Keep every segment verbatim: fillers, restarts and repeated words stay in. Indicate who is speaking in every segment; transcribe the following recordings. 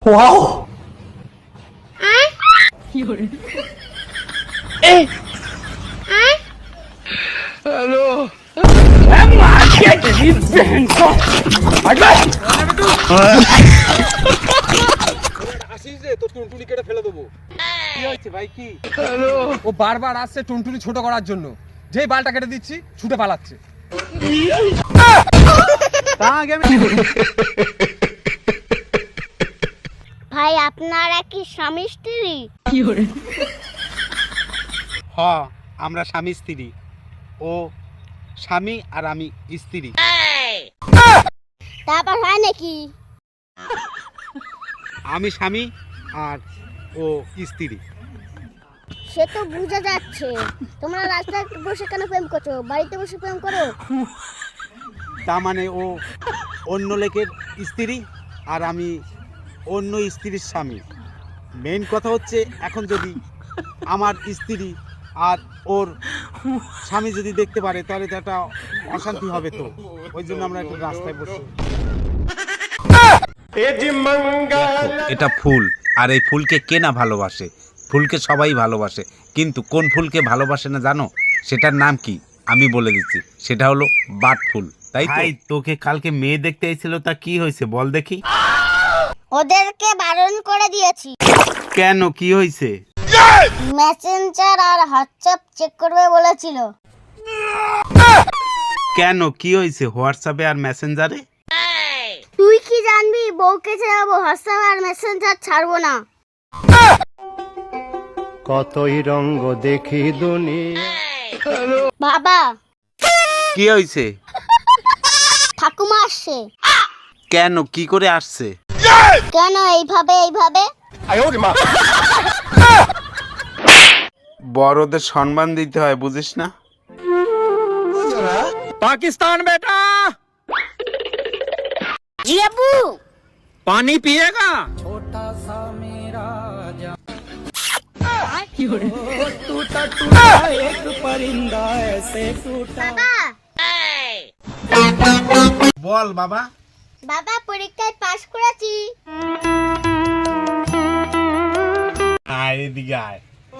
Speaker 1: Wow এ hello মাকে দিদি Banquo
Speaker 2: আসিস রে তোর টুনটুনি কেটে ফেলে দেবো। কি হয়েছে ভাই? কি
Speaker 1: হ্যালো
Speaker 2: ও বারবার আসছে টুনটুনি ছোট করার জন্য, যেই বালটা কেটে দিচ্ছি ছুটে পালাচ্ছে।
Speaker 3: ভাই আপনারা কি স্বামী স্ত্রী?
Speaker 4: হ, আমরা স্বামী স্ত্রী। ও স্বামী আর আমি স্ত্রী।
Speaker 3: তারপর হয় নাকি?
Speaker 4: আমি স্বামী আর ও স্ত্রী।
Speaker 3: সে তো বোঝা যাচ্ছে। তোমরা রাস্তায় বসে কেন প্রেম করছো? বাড়িতে বসে প্রেম করো।
Speaker 4: তা মানে ও অন্য লোকের স্ত্রী আর আমি অন্য স্ত্রীর স্বামী। মেইন কথা হচ্ছে, এখন যদি আমার স্ত্রী আর ওর স্বামী যদি দেখতে পারে তাহলে তো একটা অশান্তি হবে, তো ওই জন্য আমরা একটু রাস্তায় বসি। এটা ফুল, আর এই ফুলকে কে না ভালোবাসে? ফুলকে সবাই ভালোবাসে, কিন্তু কোন ফুলকে ভালোবাসে না জানো? সেটার নাম কি আমি বলে দিচ্ছি, সেটা হলো বাট ফুল। তাই তো? তোকে কালকে মেয়ে দেখতে এসেছিল, তা কি হয়েছে বল দেখি?
Speaker 3: ওদেরকে বারণ করে দিয়েছি।
Speaker 4: কেন, কি হয়েছে?
Speaker 3: মেসেঞ্জার আর হোয়াটসঅ্যাপ চেক করবে বলেছিল।
Speaker 4: কেন, কি হয়েছে হোয়াটসঅ্যাপে আর মেসেঞ্জারে?
Speaker 3: তুই কি জানবি বউকে ছাড়াবো, হোয়াটসঅ্যাপ আর মেসেঞ্জার ছাড়বো না।
Speaker 5: কতই রঙ্গ দেখি দুনিয়া।
Speaker 3: বাবা,
Speaker 4: কি হয়েছে?
Speaker 3: ঠাকুমা আসছে।
Speaker 4: কেন, কি করে আসছে?
Speaker 3: কেন এইভাবে এইভাবে?
Speaker 4: বড়দের সম্মান দিতে হয়, বুঝিস না?
Speaker 1: पाकिस्तान बेटा
Speaker 3: জি আব্বু।
Speaker 1: पानी पिएगा
Speaker 3: বাবা,
Speaker 4: বল বাবা।
Speaker 3: বাবা পরীক্ষায় পাশ করেছি।
Speaker 4: আয় এদিকে আয়।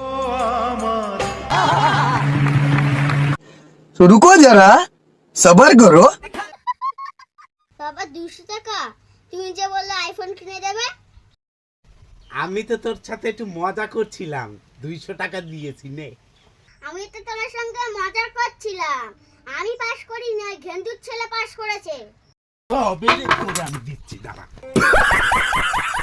Speaker 1: तो रुको जरा सबर करो।
Speaker 3: বাবা দুশো টাকা তুমি যে বললে আইফোন কিনে দেবে।
Speaker 4: আমি তো তোর সাথে একটু মজা করছিলাম, দুইশো টাকা দিয়েছি নে।
Speaker 3: আমি তো তোমার সঙ্গে মজা করছিলাম। আমি পাশ করি না, ঘেন্টুর ছেলে পাশ করেছে।
Speaker 4: তবে রে, তোর আমি দিচ্ছি, দাঁড়া।